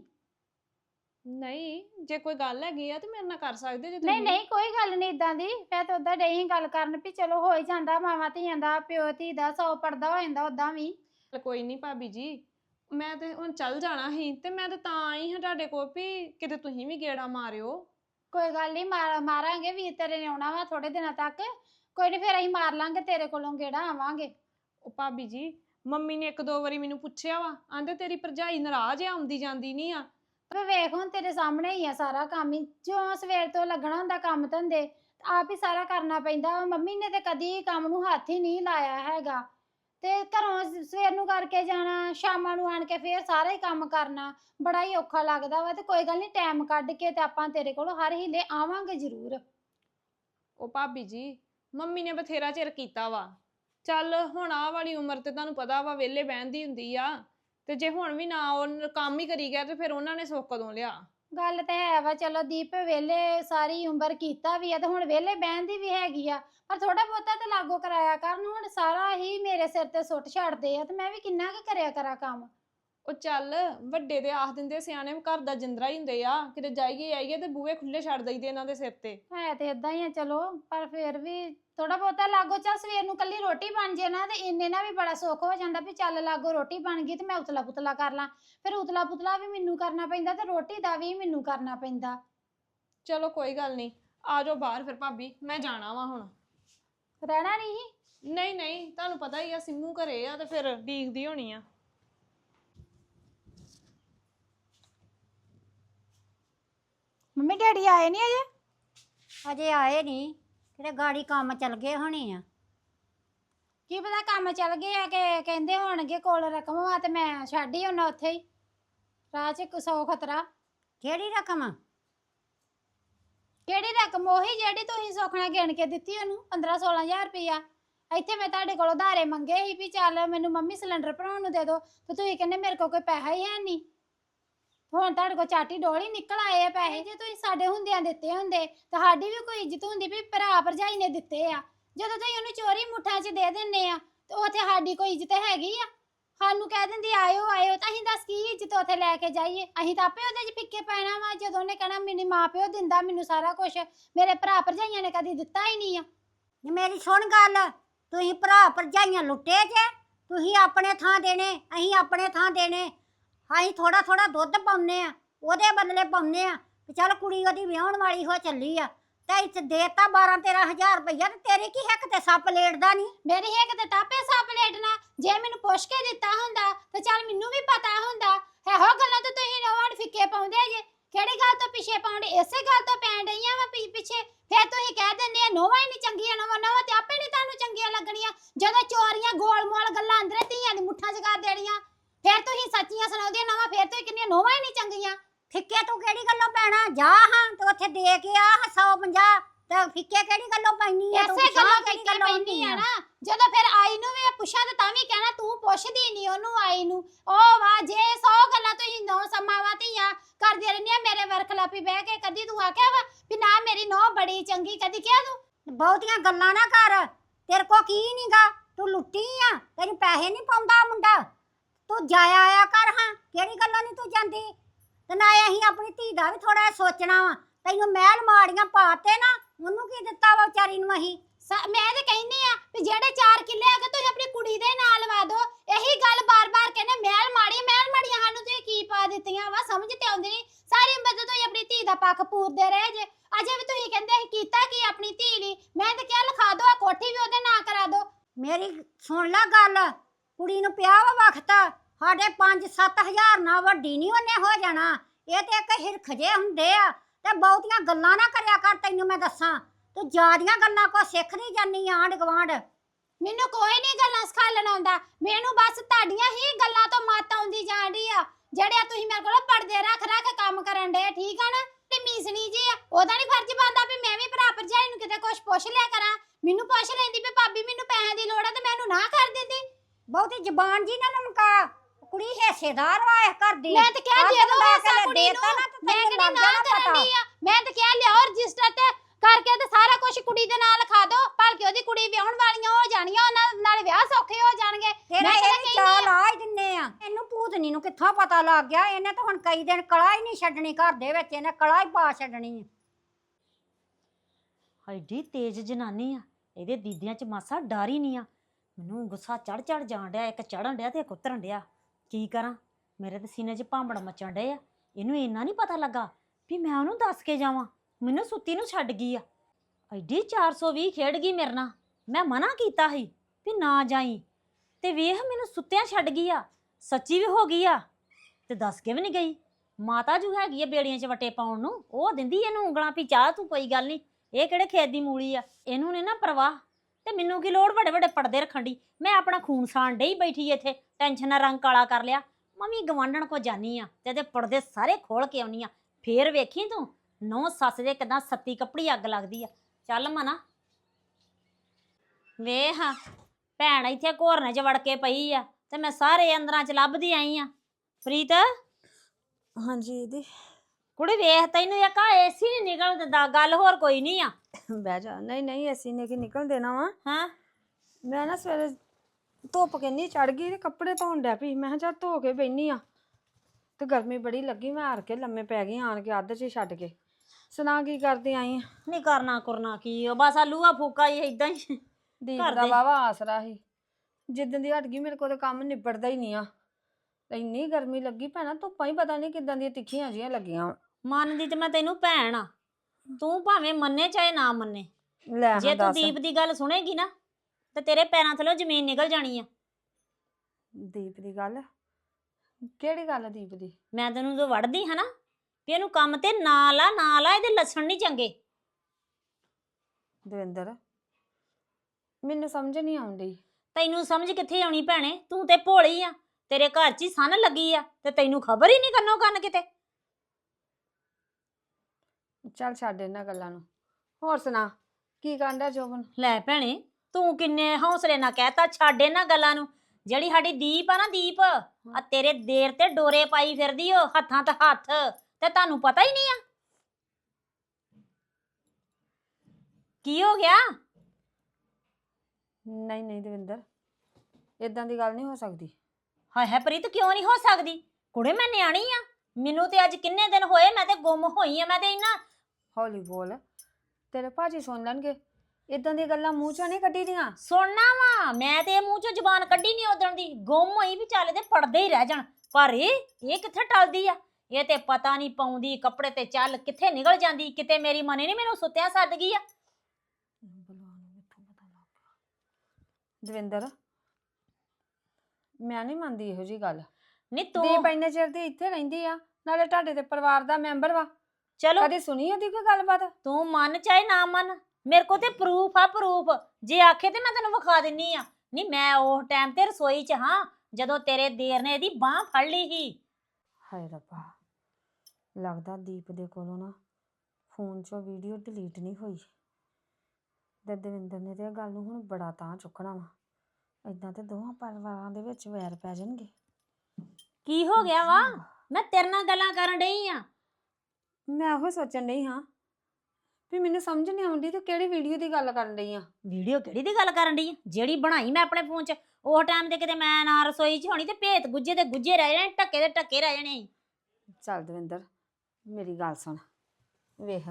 Speaker 2: ਨਹੀਂ, ਜੇ ਕੋਈ ਗੱਲ ਹੈਗੀ ਆ ਤੇ ਮੇਰੇ ਨਾਲ ਕਰ ਸਕਦੇ ਜੇ
Speaker 4: ਨਹੀਂ
Speaker 2: ਤੁਸੀਂ।
Speaker 4: ਨਹੀਂ ਕੋਈ ਗੱਲ ਨਹੀਂ ਇਦਾਂ ਦੀ, ਮੈਂ ਤਾਂ ਉਦਾਂ ਡਈ ਸੀ ਗੱਲ ਕਰਨ ਵੀ ਚਲੋ ਹੋ ਹੀ ਜਾਂਦਾ ਮਾਵਾਂ ਧੀਆਂ ਦਾ, ਪਿਓ ਧੀ ਦਾ 100 ਪੜਦਾ ਹੋ ਜਾਂਦਾ ਉਦਾਂ ਵੀ।
Speaker 2: ਚੱਲ ਕੋਈ ਨਹੀਂ ਭਾਬੀ ਜੀ, ਮੈਂ ਤੇ ਹੁਣ ਚੱਲ ਜਾਣਾ ਸੀ ਤੇ ਮੈਂ ਤਾਂ ਆਈ ਹਾਂ ਤੁਹਾਡੇ ਕੋਲ ਵੀ ਕਿਤੇ ਤੁਸੀਂ ਵੀ ਗੇੜਾ ਮਾਰਿਓ।
Speaker 4: ਕੋਈ ਗੱਲ ਨਹੀਂ, ਮਾਰਾਂਗੇ। ਵੀਰ ਤੇਰੇ ਨੇ ਆਉਣਾ ਵਾ ਥੋੜੇ ਦਿਨਾਂ ਤੱਕ, ਕੋਈ ਨਹੀਂ ਫਿਰ ਅਸੀਂ ਮਾਰ ਲਾਂਗੇ ਤੇਰੇ ਕੋਲੋਂ ਗੇੜਾ, ਆਵਾਂਗੇ।
Speaker 2: ਉਹ ਭਾਬੀ ਜੀ, ਮੰਮੀ ਨੇ 1-2 ਵਾਰੀ ਮੈਨੂੰ ਪੁੱਛਿਆ ਵਾ, ਆਂਦੇ ਤੇਰੀ ਭਰਜਾਈ ਨਾਰਾਜ਼ ਆ, ਆਉਂਦੀ ਜਾਂਦੀ ਨਹੀਂ ਆ।
Speaker 4: ਤੇ ਵੇਖ ਹੁਣ ਤੇਰੇ ਸਾਹਮਣੇ ਹੀ ਆ ਸਾਰਾ ਕੰਮ ਹੀ, ਜੋ ਸਵੇਰ ਤੋਂ ਲੱਗਣਾ ਹੁੰਦਾ ਕੰਮ ਧੰਦੇ ਆਪ ਹੀ ਸਾਰਾ ਕਰਨਾ ਪੈਂਦਾ। ਮੰਮੀ ਨੇ ਤੇ ਕਦੀ ਕੰਮ ਨੂੰ ਹੱਥ ਹੀ ਨਹੀਂ ਲਾਇਆ ਹੈਗਾ, ਤੇ ਘਰੋਂ ਸਵੇਰ ਨੂੰ ਕਰਕੇ ਜਾਣਾ, ਸ਼ਾਮਾਂ ਨੂੰ ਆਣ ਕੇ ਫੇਰ ਸਾਰਾ ਹੀ ਕੰਮ ਕਰਨਾ, ਬੜਾ ਹੀ ਔਖਾ ਲੱਗਦਾ ਵਾ। ਤੇ ਕੋਈ ਗੱਲ ਨਹੀਂ, ਟਾਈਮ ਕੱਢ ਕੇ ਤੇ ਆਪਾਂ ਤੇਰੇ ਕੋਲ ਹਰ ਹੀਲੇ ਆਵਾਂਗੇ ਜ਼ਰੂਰ।
Speaker 2: ਉਹ ਭਾਬੀ ਜੀ, ਮੰਮੀ ਨੇ ਬਥੇਰਾ ਚਿਰ ਕੀਤਾ ਵਾ। ਚੱਲ ਹੁਣ ਆਹ ਵਾਲੀ ਉਮਰ ਤੇ ਤੁਹਾਨੂੰ ਪਤਾ ਵਾ ਵਿਹਲੇ ਬਹਿਣ ਦੀ ਹੁੰਦੀ ਆ, ਤੇ ਜੇ ਹੁਣ ਵੀ ਨਾ ਉਹ ਕੰਮ ਹੀ ਕਰੀ ਗਿਆ ਤੇ ਫਿਰ ਉਹਨਾਂ ਨੇ ਸੁੱਖ ਕਦੋਂ ਲਿਆ।
Speaker 4: ਗੱਲ ਤੇ ਹੈ ਵਾ। ਚਲੋ ਦੀਪ, ਵੇਲੇ ਸਾਰੀ ਉਮਰ ਕੀਤਾ ਵੀ ਆ ਤੇ ਹੁਣ ਵੇਲੇ ਬਹਿਣ ਦੀ ਵੀ ਹੈਗੀ ਆ, ਪਰ ਥੋੜਾ ਬਹੁਤਾ ਤੇ ਲਾਗੂ ਕਰਾਇਆ ਕਰਨ। ਹੁਣ ਸਾਰਾ ਹੀ ਮੇਰੇ ਸਿਰ ਤੇ ਸੁੱਟ ਛੱਡਦੇ ਆ ਤੇ ਮੈਂ ਵੀ ਕਿੰਨਾ ਕੁ ਕਰਿਆ ਕਰਾਂ ਕੰਮ।
Speaker 2: ਉਹ ਚੱਲ, ਵੱਡੇ ਦੇ ਆਖ ਦਿੰਦੇ ਸਿਆਣੇ ਘਰ ਦਾ ਜਿੰਦਰਾ ਹੀ ਹੁੰਦੇ ਆ, ਕਿਤੇ ਜਾਈਏ ਆਈਏ ਤੇ ਬੂਹੇ ਖੁੱਲੇ ਛੱਡ ਦਈਦੇ ਇਹਨਾਂ ਦੇ ਸਿਰ ਤੇ।
Speaker 4: ਹੈ ਤੇ ਇਦਾਂ ਹੀ ਆ ਚਲੋ, ਪਰ ਫਿਰ ਵੀ ਥੋੜਾ ਬਹੁਤਾ ਲਾਗੋ। ਚੱਲ ਸਵੇਰ ਨੂੰ ਕੱਲੀ ਰੋਟੀ ਬਣ ਜੇ ਨਾ ਤੇ ਇੰਨੇ ਨਾਲ ਵੀ ਬੜਾ ਸੁੱਖ ਹੋ ਜਾਂਦਾ ਵੀ ਚੱਲ ਲਾਗੋ ਰੋਟੀ ਬਣ ਗਈ ਤੇ ਮੈਂ ਉਤਲਾ ਪੁਤਲਾ ਕਰ ਲਾਂ। ਫਿਰ ਉਤਲਾ ਪੁਤਲਾ ਵੀ ਮੈਨੂੰ ਕਰਨਾ ਪੈਂਦਾ ਤੇ ਰੋਟੀ ਦਾ ਵੀ ਮੈਨੂੰ ਕਰਨਾ ਪੈਂਦਾ।
Speaker 2: ਚਲੋ ਕੋਈ ਗੱਲ ਨਹੀਂ, ਆ ਜਾਓ ਬਾਹਰ ਫਿਰ ਭਾਬੀ, ਮੈਂ ਜਾਣਾ ਵਾ ਹੁਣ।
Speaker 4: ਰਹਿਣਾ ਨਹੀਂ?
Speaker 2: ਨਹੀਂ ਨਹੀਂ, ਤੁਹਾਨੂੰ ਪਤਾ ਹੀ ਆ ਸਿੰਮੂ ਘਰੇ ਆ ਤੇ ਫਿਰ ਡੀਕਦੀ ਹੋਣੀ ਆ।
Speaker 4: ਮੰਮੀ ਡੈਡੀ ਆਏ ਨਹੀਂ ਅਜੇ?
Speaker 1: ਅਜੇ ਆਏ ਨਹੀਂ, ਕਿਤੇ ਗਾੜੀ ਕੰਮ ਚੱਲ ਗਏ ਹੋਣੇ ਆ।
Speaker 4: ਕੀ ਪਤਾ ਕੰਮ ਚੱਲ ਗਏ ਆ ਕਿ ਕਹਿੰਦੇ ਹੋਣਗੇ ਕੋਲ ਰਕਮ ਵਾ ਤੇ ਮੈਂ ਛੱਡ ਹੀ ਉਹਨਾਂ ਉੱਥੇ ਹੀ ਰਾਹ 'ਚ 100 ਖਤਰਾ।
Speaker 1: ਕਿਹੜੀ ਰਕਮ?
Speaker 4: ਕਿਹੜੀ ਰਕਮ? ਉਹੀ ਜਿਹੜੀ ਤੁਸੀਂ ਸੁਖਣਾ ਗਿਣ ਕੇ ਦਿੱਤੀ ਉਹਨੂੰ, 15-16 ਹਜ਼ਾਰ ਰੁਪਇਆ। ਇੱਥੇ ਮੈਂ ਤੁਹਾਡੇ ਕੋਲ ਉਧਾਰੇ ਮੰਗੇ ਸੀ ਵੀ ਚੱਲ ਮੈਨੂੰ ਮੰਮੀ ਸਿਲੰਡਰ ਭਰਾਉਣ ਨੂੰ ਦੇ ਦਿਓ, ਤੇ ਤੁਸੀਂ ਕਹਿੰਦੇ ਮੇਰੇ ਕੋਲ ਕੋਈ ਪੈਸਾ ਹੀ ਹੈ ਨਹੀਂ। ਹੁਣ ਤੁਹਾਡੇ ਕੋਲ ਚਾਟੀ ਡੋਲੀ ਨਿਕਲ ਆਏ ਆ ਪੈਸੇ। ਜੇ ਤੁਸੀਂ ਸਾਡੇ ਹੁੰਦਿਆਂ ਦਿੱਤੇ ਹੁੰਦੇ ਤਾਂ ਸਾਡੀ ਵੀ ਕੋਈ ਇੱਜ਼ਤ ਹੁੰਦੀ ਵੀ ਭਰਾ ਭਰਜਾਈ ਨੇ ਦਿੱਤੇ ਆ। ਜਦੋਂ ਤੁਸੀਂ ਉਹਨੂੰ ਚੋਰੀ ਮੁੱਠਾਂ 'ਚ ਦੇ ਦਿੰਨੇ ਆ ਤੇ ਉੱਥੇ ਸਾਡੀ ਕੋਈ ਇੱਜ਼ਤ ਹੈਗੀ ਆ? ਸਾਨੂੰ ਕਹਿ ਦਿੰਦੀ ਆਇਓ ਆਇਓ, ਤਾਂ ਅਸੀਂ ਦੱਸ ਕੀ ਇੱਜ਼ਤ ਉੱਥੇ ਲੈ ਕੇ ਜਾਈਏ? ਅਸੀਂ ਤਾਂ ਆਪੇ ਉਹਦੇ 'ਚ ਫਿੱਕੇ ਪੈਣਾ ਵਾ। ਜਦੋਂ ਉਹਨੇ ਕਹਿਣਾ ਮੈਨੂੰ ਮਾਂ ਪਿਓ ਦਿੰਦਾ ਮੈਨੂੰ ਸਾਰਾ ਕੁਝ, ਮੇਰੇ ਭਰਾ ਭਰਜਾਈਆਂ ਨੇ ਕਦੀ ਦਿੱਤਾ ਹੀ ਨਹੀਂ ਆ।
Speaker 1: ਮੇਰੀ ਸੁਣ ਗੱਲ, ਤੁਸੀਂ ਭਰਾ ਭਰਜਾਈਆਂ ਲੁੱਟੇ ਜੇ। ਤੁਸੀਂ ਆਪਣੇ ਥਾਂ ਦੇਣੇ, ਅਸੀਂ ਆਪਣੇ ਥਾਂ ਦੇਣੇ। ਅਸੀਂ ਥੋੜਾ ਥੋੜਾ ਦੁੱਧ ਪਾਉਂਦੇ ਆ, ਉਹਦੇ ਬਦਲੇ ਪਾਉਂਦੇ ਆ ਤੇ ਚੱਲ ਕੁੜੀ ਉਹਦੀ ਵਿਆਹਣ ਵਾਲੀ ਹੋ ਚੱਲੀ ਆ ਤੇ ਇੱਥੇ ਦੇਤਾ 12-13 ਹਜ਼ਾਰ ਰੁਪਈਆ, ਤੇ ਤੇਰੀ ਕੀ ਹਿੱਕ ਤੇ ਸੱਪ ਲੇਟਦਾ ਨਹੀਂ?
Speaker 4: ਮੇਰੀ ਹਿੱਕ ਤੇ ਤਾਪੇ ਸੱਪ ਲੇਟਣਾ। ਜੇ ਮੈਨੂੰ ਪੁੱਛ ਕੇ ਦਿੱਤਾ ਹੁੰਦਾ ਤੇ ਚੱਲ ਮੈਨੂੰ ਵੀ ਪਤਾ ਹੁੰਦਾ। ਇਹੋ ਗੱਲਾਂ ਤਾਂ ਤੁਸੀਂ ਨਵਾਂ ਫਿੱਕੇ ਪਾਉਂਦੇ ਜੇ। ਕਿਹੜੀ ਗੱਲ ਤੋਂ ਪਿੱਛੇ ਪਾਉਂਦੇ? ਇਸੇ ਗੱਲ ਤੋਂ ਪੈਣ ਡਈਆਂ ਵਾ ਪਿੱਛੇ। ਫਿਰ ਤੁਸੀਂ ਕਹਿ ਦਿੰਦੇ ਆ ਨੋਵਾਂ ਹੀ ਨਹੀਂ ਚੰਗੀਆਂ, ਨਵਾਂ ਤੇ ਆਪੇ ਨਹੀਂ ਤੁਹਾਨੂੰ ਚੰਗੀਆਂ ਲੱਗਣੀਆਂ। ਜਦੋਂ ਚੋਰੀਆਂ
Speaker 5: ਫਿਰ ਤੁਸੀਂ ਸੱਚੀਆਂ ਸੁਣਾਉਂਦੀਆਂ ਨਵਾਂ, ਫਿਰ ਤੁਸੀਂ ਕਿੰਨੀਆਂ ਨੋਵਾਂ ਹੀ ਨਹੀਂ ਚੰਗੀਆਂ।
Speaker 1: ਫਿੱਕੇ ਤੂੰ ਕਿਹੜੀ ਗੱਲੋਂ ਪੈਣਾ? ਜਾ ਹਾਂ ਤੇ ਉੱਥੇ ਦੇ ਕੇ ਆ 150 ਤੇ ਫਿੱਕੇ ਕਿਹੜੀ ਗੱਲੋਂ ਪੈਣੀ ਆ? ਤੂੰ
Speaker 5: ਐਸੇ
Speaker 1: ਪਛਾਣ
Speaker 5: ਗੱਲੋਂ
Speaker 1: ਕਿਹੜੀ
Speaker 5: ਕਿੱਥੇ
Speaker 1: ਗੱਲੋਂ
Speaker 5: ਪੈਂਦੀ
Speaker 1: ਹੁੰਦੀ
Speaker 5: ਆ ਨਾ, ਜਦੋਂ ਫਿਰ ਆਈ ਨੂੰ ਵੀ ਪੁੱਛਾਂ ਤੇ ਤਾਂ ਵੀ ਕਹਿਣਾ ਤੂੰ ਪੁੱਛਦੀ ਨਹੀਂ ਉਹਨੂੰ ਆਈ ਨੂੰ। ਉਹ ਵਾ ਜੇ 100 ਗੱਲਾਂ ਤੁਸੀਂ ਨੌ ਸਮਾਵਾਂ ਧੀਆਂ ਕਰਦੀਆਂ ਰਹਿੰਦੀਆਂ ਮੇਰੇ ਵਰਖਲਾਪੀ ਬਹਿ ਕੇ, ਕਦੀ ਤੂੰ ਆਖਿਆ ਵਾ ਵੀ ਨਾ ਮੇਰੀ ਨੌ ਬੜੀ ਚੰਗੀ, ਕਦੀ ਕਿਹਾ ਤੂੰ?
Speaker 1: ਬਹੁਤੀਆਂ ਗੱਲਾਂ ਨਾ ਕਰ, ਤੇਰੇ ਕੋ ਕੀ ਨਹੀਂਗਾ, ਤੂੰ ਲੁੱਟੀ ਆ, ਤੈਨੂੰ ਪੈਸੇ ਨਹੀਂ ਪਾਉਂਦਾ ਮੁੰਡਾ। ਤੂੰ ਜਾਇਆ ਆਇਆ ਕਰ ਹਾਂ, ਕਿਹੜੀ ਗੱਲਾਂ ਨਹੀਂ ਤੂੰ ਜਾਂਦੀ? ਤੇ ਨਾ ਅਸੀਂ ਆਪਣੀ ਧੀ ਦਾ ਵੀ ਥੋੜਾ ਸੋਚਣਾ ਵਾ। ਤੈਨੂੰ ਮਹਿਲ ਮਾੜੀਆਂ ਪਾਤੇ ਨਾ, ਉਹਨੂੰ ਕੀ ਦਿੱਤਾ ਵਾ ਵਿਚਾਰੀ ਨੂੰ ਅਸੀਂ?
Speaker 5: ਮੈਂ ਤੇ ਕਹਿੰਦੀ ਆ ਵੀ ਜਿਹੜੇ 4 ਕਿੱਲੇ ਆ ਕੇ ਤੁਸੀਂ ਆਪਣੀ ਕੁੜੀ ਦੇ ਨਾਂ ਲਵਾ ਦਿਓ। ਇਹੀ ਗੱਲ ਬਾਰ-ਬਾਰ ਕਹਿੰਦੇ ਮਹਿਲ ਮਾੜੀਆਂ ਸਾਨੂੰ ਤੁਸੀਂ ਕੀ ਪਾ ਦਿੱਤੀਆਂ ਵਾ, ਸਮਝ ਤੇ ਆਉਂਦੀ ਨਹੀਂ। ਸਾਰੀ ਉਮਰ ਤੋਂ ਤੁਸੀਂ ਆਪਣੀ ਧੀ ਦਾ ਪੱਖ ਪੂਰਦੇ ਰਹੇ ਜੇ, ਅਜੇ ਵੀ ਤੁਸੀਂ ਕਹਿੰਦੇ ਅਸੀਂ ਕੀਤਾ ਕੀ ਆਪਣੀ ਧੀ ਲਈ। ਮੈਂ ਤੇ ਕਿਹਾ ਲਿਖਾ ਦਿਓ, ਕੋਠੀ ਵੀ ਉਹਦੇ ਨਾਂ ਕਰਾ ਦਿਓ।
Speaker 1: ਮੇਰੀ ਸੁਣ ਲੈ ਗੱਲ, ਕੁੜੀ ਨੂੰ ਪਿਆ ਵਾ ਵਕਤ, ਸਾਡੇ 5-7 ਹਜ਼ਾਰ ਨਾਲ ਵੱਡੀ ਨਹੀਂ ਉਹਨੇ ਹੋ ਜਾਣਾ। ਇਹ ਤੇ ਇੱਕ ਹਿਰਖ ਜੇ ਹੁੰਦੇ ਆ, ਤੇ ਬਹੁਤੀਆਂ ਗੱਲਾਂ ਨਾ ਕਰਿਆ ਕਰ। ਤੈਨੂੰ ਮੈਂ ਦੱਸਾਂ, ਤੂੰ ਜ਼ਿਆਦੀਆਂ ਗੱਲਾਂ ਕੋ ਸਿੱਖਦੀ ਜਾਨੀ ਆਂਢ ਗੁਆਂਢ।
Speaker 5: ਮੈਨੂੰ ਕੋਈ ਨਹੀਂ ਗੱਲਾਂ ਸਿਖਾਲਣ ਆਉਂਦਾ, ਮੈਨੂੰ ਬਸ ਤੁਹਾਡੀਆਂ ਹੀ ਗੱਲਾਂ ਤੋਂ ਮੱਤ ਆਉਂਦੀ ਜਾਂਦੀ ਆ, ਜਿਹੜਿਆ ਤੁਸੀਂ ਮੇਰੇ ਕੋਲ ਪਰਦੇ ਰੱਖ ਕੰਮ ਕਰਨ ਦੇ, ਠੀਕ ਆ ਨਾ? ਤੇ ਮੀਸਣੀ ਜੀ ਆ, ਉਹਦਾ ਨਹੀਂ ਫਰਜ਼ ਬਣਦਾ ਵੀ ਮੈਂ ਵੀ ਭਰਾ ਭਰਜਾਈ ਨੂੰ ਕਿਤੇ ਕੁਝ ਪੁੱਛ ਲਿਆ ਕਰਾਂ। ਮੈਨੂੰ ਪੁੱਛ ਲੈਂਦੀ ਵੀ ਭਾਬੀ ਮੈਨੂੰ ਪੈਸਿਆਂ ਦੀ ਲੋੜ ਆ, ਤੇ ਮੈਨੂੰ ਨਾ ਕਰ ਦਿੰਦੀ।
Speaker 1: ਬਹੁਤੀ ਜ਼ਬਾਨ ਜੀ ਨਾ ਲਮਕਾ, ਕੁੜੀ ਹਿੱਸੇਦਾਰ ਵਾ ਇਹ ਘਰ ਦੀ।
Speaker 5: ਮੈਂ ਤੇ ਕਿਹਾ
Speaker 1: ਅੱਜ
Speaker 5: ਦੇ ਦੋ
Speaker 1: ਮੈਂ
Speaker 5: ਹਿੱਸਾ
Speaker 1: ਕਿਹਾ
Speaker 5: ਕੁੜੀ
Speaker 1: ਦੇਤਾ
Speaker 5: ਨੂੰ,
Speaker 1: ਨਾ ਤੇ
Speaker 5: ਮੈਂ
Speaker 1: ਤੈਨੂੰ
Speaker 5: ਕਿਹੜੀ
Speaker 1: ਲੱਗ
Speaker 5: ਨਾ
Speaker 1: ਜਾਣਾ
Speaker 5: ਕਰਨ
Speaker 1: ਪਤਾ।
Speaker 5: ਦੀ ਆ। ਮੈਂ ਤੇ ਕਿਹਾ ਲਿਆਓ ਰਜਿਸਟਰ ਤੇ ਕਰਕੇ ਤੇ ਸਾਰਾ ਕੁਝ ਕੁੜੀ ਦੇ ਨਾਲ ਲਿਖਾ ਦਿਓ, ਭਲਕੇ ਉਹਦੀ ਕੁੜੀ ਵਿਆਹਣ ਵਾਲੀਆਂ ਹੋ ਜਾਣੀਆਂ, ਉਹਨਾਂ ਨਾਲ ਵਿਆਹ ਸੌਖੇ ਹੋ ਜਾਣਗੇ।
Speaker 1: ਤੇਰਾ
Speaker 5: ਮੈਂ
Speaker 1: ਇਹ
Speaker 5: ਕਿਹੜਾ
Speaker 1: ਵੀ
Speaker 5: ਕਹਿੰਦੀ
Speaker 1: ਚਾਲ ਆ ਹੀ ਦਿੰਨੇ ਆ। ਇਹਨੂੰ ਭੂਤਨੀ ਨੂੰ ਕਿੱਥੋਂ ਪਤਾ ਲੱਗ ਗਿਆ? ਇਹਨੇ ਤਾਂ ਹੁਣ ਕਈ ਦਿਨ ਕਲਾ ਹੀ ਨਹੀਂ ਛੱਡਣੀ ਘਰ ਦੇ ਵਿੱਚ, ਇਹਨੇ ਕਲਾ ਹੀ ਪਾ ਛੱਡਣੀ ਆ।
Speaker 6: ਐਡੀ ਤੇਜ਼ ਜਨਾਨੀ ਆ, ਇਹਦੇ ਦੀਦਿਆਂ 'ਚ ਮਾਸਾ ਡਰ ਹੀ ਨਹੀਂ ਆ। ਮੈਨੂੰ ਗੁੱਸਾ ਚੜ ਜਾਣ ਡਿਆ, ਇੱਕ ਚੜਨ ਡਿਆ ਤੇ ਇੱਕ ਉਤਰਨ ਡਿਆ। ਕੀ ਕਰਾਂ, ਮੇਰੇ ਤੇ ਸੀਨੇ 'ਚ ਭਾਂਬੜ ਮਚਣ ਡੇ ਆ। ਇਹਨੂੰ ਇੰਨਾ ਨਹੀਂ ਪਤਾ ਲੱਗਾ ਵੀ ਮੈਂ ਉਹਨੂੰ ਦੱਸ ਕੇ ਜਾਵਾਂ, ਮੈਨੂੰ ਸੁੱਤੀ ਨੂੰ ਛੱਡ ਗਈ ਆ। ਐਡੀ 420 ਖੇਡ ਗਈ ਮੇਰੇ ਨਾਲ। ਮੈਂ ਮਨਾ ਕੀਤਾ ਸੀ ਵੀ ਨਾ ਜਾਈ, ਤੇ ਵੇਖ ਮੈਨੂੰ ਸੁੱਤਿਆਂ ਛੱਡ ਗਈ ਆ। ਸੱਚੀ ਵੀ ਹੋ ਗਈ ਆ ਤੇ ਦੱਸ ਕੇ ਵੀ ਨਹੀਂ ਗਈ। ਮਾਤਾ ਜੂ ਹੈਗੀ ਆ ਬੇੜੀਆਂ 'ਚ ਵਟੇ ਪਾਉਣ ਨੂੰ, ਉਹ ਦਿੰਦੀ ਇਹਨੂੰ ਉਂਗਲਾਂ ਵੀ ਚਾਹ ਤੂੰ ਕੋਈ ਗੱਲ ਨਹੀਂ, ਇਹ ਕਿਹੜੇ ਖੇਤ ਦੀ ਮੂਲੀ ਆ, ਇਹਨੂੰ ਨੇ ਨਾ ਪਰਵਾਹ। ਤੇ ਮੈਨੂੰ ਕੀ ਲੋੜ ਵੱਡੇ ਵੱਡੇ ਪਰਦੇ ਰੱਖਣ ਦੀ? ਮੈਂ ਆਪਣਾ ਖੂਨ ਸਾਣ ਡਈ ਬੈਠੀ ਇੱਥੇ, ਟੈਨਸ਼ਨ ਨਾਲ ਰੰਗ ਕਾਲਾ ਕਰ ਲਿਆ। ਮੰਮੀ ਗਵਾਂਢਣ ਕੋ ਜਾਨੀ ਆ ਤੇ ਇਹਦੇ ਪਰਦੇ ਸਾਰੇ ਖੋਲ ਕੇ ਆਉਣੀ ਆ, ਫੇਰ ਵੇਖੀ ਤੂੰ ਨੌ ਸੱਸ ਦੇ ਕਿਦਾਂ ਸੱਤੀ ਕੱਪੜੀ ਅੱਗ ਲੱਗਦੀ ਆ। ਚੱਲ ਮਨਾ ਵੇਖ, ਭੈਣ ਇੱਥੇ ਘੋਰਨੇ 'ਚ ਵੜ ਕੇ ਪਈ ਆ ਤੇ ਮੈਂ ਸਾਰੇ ਅੰਦਰਾਂ 'ਚ ਲੱਭਦੀ ਆਈ ਆ। ਪ੍ਰੀਤ,
Speaker 7: ਹਾਂਜੀ ਦੀਦੀ
Speaker 6: ਕੁੜੀ ਵੇਖ, ਤੈਨੂੰ ਇੱਕ ਏਸੀ ਨਹੀਂ ਨਿਕਲ ਦਿੰਦਾ, ਗੱਲ ਹੋਰ ਕੋਈ ਨਹੀਂ ਆ।
Speaker 7: ਬਹਿ ਜਾ। ਨਹੀਂ ਅਸੀਂ ਨੇ ਕੀ ਨਿਕਲ ਦੇਣਾ ਵਾ।
Speaker 6: ਹਾਂ,
Speaker 7: ਮੈਂ ਨਾ ਸਵੇਰੇ ਧੁੱਪ ਕਿੰਨੀ ਚੜ ਗਈ ਤੇ ਕੱਪੜੇ ਧੋਣ ਡਿਆ ਪਈ। ਮੈਂ ਕਿਹਾ ਚੱਲ ਧੋ ਕੇ ਬੈਣੀ ਆ, ਤੇ ਗਰਮੀ ਬੜੀ ਲੱਗੀ, ਮੈਂ ਹਾਰ ਕੇ ਲੰਮੇ ਪੈ ਗਈ ਆਣ ਕੇ ਅੱਧ 'ਚ ਛੱਡ ਕੇ। ਸੁਣਾ ਕੀ ਕਰਦੀ ਆਈ ਆ?
Speaker 6: ਨਹੀਂ ਕਰਨਾ ਕਰਨਾ ਕੀ, ਉਹ ਬਸ ਆਲੂਆ ਫੂਕਾ ਹੀ ਏਦਾਂ ਹੀ
Speaker 7: ਦੀਪ
Speaker 6: ਘਰ
Speaker 7: ਦਾ
Speaker 6: ਦੇ।
Speaker 7: ਵਾਵਾ ਆਸਰਾ ਸੀ। ਜਿੱਦਣ ਦੀ ਹਟ ਗਈ ਮੇਰੇ ਕੋਲ ਤਾਂ ਕੰਮ ਨਿਬੜਦਾ ਹੀ ਨਹੀਂ ਆ। ਇੰਨੀ ਗਰਮੀ ਲੱਗੀ ਭੈਣਾ, ਧੁੱਪਾਂ ਹੀ ਪਤਾ ਨਹੀਂ ਕਿੱਦਾਂ ਦੀਆਂ ਤਿੱਖੀਆਂ ਜਿਹੀਆਂ ਲੱਗੀਆਂ।
Speaker 6: ਮੰਨਦੀ ਤੇ ਮੈਂ ਤੈਨੂੰ ਭੈਣ ਆ, ਤੂੰ ਭਾਵੇਂ ਮੰਨੇ ਚਾਹੇ ਨਾ ਮੰਨੇ।
Speaker 7: ਲੈ
Speaker 6: ਜੇ
Speaker 7: ਹਾਂ
Speaker 6: ਤੂੰ
Speaker 7: ਦੱਸ।
Speaker 6: ਦੀਪ ਦੀ ਗੱਲ ਸੁਣੇਗੀ ਨਾ ਤੇ ਤੇਰੇ ਪੈਰਾਂ ਥੱਲੋਂ ਜ਼ਮੀਨ ਨਿਕਲ ਜਾਣੀ ਆ।
Speaker 7: ਦੀਪ ਦੀ ਗੱਲ? ਕਿਹੜੀ ਗੱਲ ਦੀਪ ਦੀ?
Speaker 6: ਮੈਂ ਤੈਨੂੰ ਜੋ ਵੜਦੀ ਹਾਂ ਨਾ ਵੀ ਇਹਨੂੰ ਕੰਮ ਤੇ ਨਾ ਲਾ, ਇਹਦੇ ਲੱਛਣ ਨਹੀਂ ਚੰਗੇ।
Speaker 7: ਦਵਿੰਦਰ, ਮੈਨੂੰ ਸਮਝ ਨਹੀਂ ਆਉਂਦੀ।
Speaker 6: ਤੈਨੂੰ ਸਮਝ ਕਿੱਥੇ ਆਉਣੀ ਭੈਣੇ, ਤੂੰ ਤੇ ਭੋਲੀ ਆ, ਤੇਰੇ ਘਰ 'ਚ ਹੀ ਸੰਨ ਲੱਗੀ ਆ ਤੇ ਤੈਨੂੰ ਖਬਰ ਹੀ ਨਹੀਂ ਕੰਨੋ ਕੰਨ ਕਿਤੇ।
Speaker 7: ਚੱਲ ਛੱਡ ਇਹਨਾਂ ਗੱਲਾਂ ਨੂੰ, ਹੋਰ ਸੁਣਾ ਕੀ ਕਹਿੰਦਾ ਜੋਬਨ?
Speaker 6: ਲੈ ਭੈਣੇ, ਤੂੰ ਕਿੰਨੇ ਹੌਸਲੇ ਨਾਲ ਕਹਿਤਾ ਛੱਡ ਇਹਨਾਂ ਗੱਲਾਂ ਨੂੰ। ਜਿਹੜੀ ਸਾਡੀ ਦੀਪ ਆ ਨਾ, ਦੀਪ ਆ ਤੇਰੇ ਦੇਰ ਤੇ ਡੋਰੇ ਪਾਈ ਫਿਰਦੀ ਓ, ਹੱਥਾਂ ਤੇ ਹੱਥ, ਤੇ ਤੁਹਾਨੂੰ ਪਤਾ ਹੀ ਨਹੀਂ ਆ ਕੀ ਹੋ ਗਿਆ।
Speaker 7: ਨਹੀਂ ਦਵਿੰਦਰ, ਇਦਾਂ ਦੀ ਗੱਲ ਨਹੀਂ ਹੋ ਸਕਦੀ।
Speaker 6: ਹਾਏ ਹਾਏ ਪ੍ਰੀਤ, ਕਿਉਂ ਨਹੀਂ ਹੋ ਸਕਦੀ? ਕੁੜੇ ਮੈਂ ਨਿਆਣੀ ਆ, ਮੈਨੂੰ ਤੇ ਅੱਜ ਕਿੰਨੇ ਦਿਨ ਹੋਏ, ਮੈਂ ਤੇ ਗੁੰਮ ਹੋਈ ਆ। ਮੈਂ ਤੇ ਇੰਨਾ
Speaker 7: ਹੌਲੀ ਬੋਲ, ਤੇਰੇ ਭਾਜੀ ਸੁਣ ਲੈਣਗੇ। ਇਦਾਂ ਦੀਆਂ ਗੱਲਾਂ ਮੂੰਹ ਚੋਂ ਨਹੀਂ ਕੱਢੀ ਦੀਆਂ।
Speaker 6: ਸੁਣਨਾ ਵਾ, ਮੈਂ ਤੇ ਮੂੰਹ ਚੋਂ ਜ਼ਬਾਨ ਕੱਢੀ ਨਹੀਂ ਉਦਣ ਦੀ, ਗੁੰਮ ਹੋਈ ਵੀ ਚੱਲ ਤੇ ਪੜਦੇ ਹੀ ਰਹਿ ਜਾਣ। ਪਰ ਇਹ ਕਿੱਥੇ ਟਲਦੀ ਆ, ਇਹ ਤੇ ਪਤਾ ਨਹੀਂ ਪਾਉਂਦੀ ਕੱਪੜੇ ਤੇ ਚੱਲ ਕਿੱਥੇ ਨਿਕਲ ਜਾਂਦੀ। ਕਿਤੇ ਮੇਰੀ ਮਨੇ ਨਹੀਂ ਮੈਨੂੰ ਸੁੱਤਿਆਂ ਸੱਦ ਗਈ ਆ।
Speaker 7: ਦਵਿੰਦਰ, ਮੈਂ ਨਹੀਂ ਮੰਨਦੀ ਇਹੋ ਜੀ ਗੱਲ।
Speaker 6: ਨਹੀਂ ਤੂੰ
Speaker 7: ਦੀਪ ਇੰਨੇ ਚਿਰ ਦੀ ਇੱਥੇ ਰਹਿੰਦੀ ਆ, ਨਾਲੇ ਤੁਹਾਡੇ ਦੇ ਪਰਿਵਾਰ ਦਾ ਮੈਂਬਰ ਵਾ।
Speaker 6: ਚਲੋ
Speaker 7: ਕਦੇ ਸੁਣੀ ਉਹਦੀ ਕੋਈ ਗੱਲਬਾਤ?
Speaker 6: ਤੂੰ ਮੰਨ ਚਾਹੇ ਨਾ ਮੰਨ, ਮੇਰੇ ਕੋਲ ਤੇ ਪ੍ਰੂਫ ਆ, ਪ੍ਰੂਫ। ਜੇ ਆਖੇ ਤੇ ਮੈਂ ਤੈਨੂੰ ਵਿਖਾ ਦਿੰਨੀ ਆ। ਨਹੀਂ ਮੈਂ ਉਹ ਟਾਈਮ ਤੇ ਰਸੋਈ 'ਚ ਹਾਂ, ਜਦੋਂ ਤੇਰੇ ਦੇਰ ਨੇ ਇਹਦੀ ਬਾਹ ਫੜ ਲਈ ਸੀ।
Speaker 7: ਹਾਏ ਰੱਬਾ, ਲੱਗਦਾ ਦੀਪ ਦੇ ਕੋਲੋਂ ਨਾ ਫੋਨ 'ਚੋਂ ਵੀਡੀਓ ਡਿਲੀਟ ਨਹੀਂ ਹੋਈ ਤੇ ਦਵਿੰਦਰ ਨੇ ਤੇ ਇਹ ਗੱਲ ਨੂੰ ਹੁਣ ਬੜਾ ਤਾਂ ਚੁੱਕਣਾ ਵਾ। ਇਦਾਂ ਤੇ ਦੋਵਾਂ ਪਰਿਵਾਰਾਂ ਦੇ ਵਿੱਚ ਵੈਰ ਪੈ ਜਾਣਗੇ।
Speaker 6: ਕੀ ਹੋ ਗਿਆ ਵਾ? ਮੈਂ ਤੇਰੇ ਨਾਲ ਗੱਲਾਂ ਕਰਨ ਡਈ ਆ।
Speaker 7: ਮੈਂ ਉਹੋ ਸੋਚਣ ਡਈ ਹਾਂ ਵੀ ਮੈਨੂੰ ਸਮਝ ਨਹੀਂ ਆਉਂਦੀ ਤੇ ਕਿਹੜੀ ਵੀਡੀਓ ਦੀ ਗੱਲ ਕਰਨ ਡਈ ਆ।
Speaker 6: ਵੀਡੀਓ ਕਿਹੜੀ ਦੀ ਗੱਲ ਕਰਨ ਡਈ ਆ? ਜਿਹੜੀ ਬਣਾਈ ਮੈਂ ਆਪਣੇ ਫੋਨ 'ਚ ਉਹ ਟਾਈਮ ਤੇ ਕਿਤੇ ਮੈਂ ਨਾ ਰਸੋਈ 'ਚ ਹੋਣੀ ਤੇ ਭੇਤ ਗੁੱਜੇ ਦੇ ਗੁੱਜੇ ਰਹਿ ਜਾਣੇ, ਢੱਕੇ ਦੇ ਢੱਕੇ ਰਹਿ ਜਾਣੇ।
Speaker 7: ਚੱਲ ਦਵਿੰਦਰ, ਮੇਰੀ ਗੱਲ ਸੁਣ, ਵੇਖ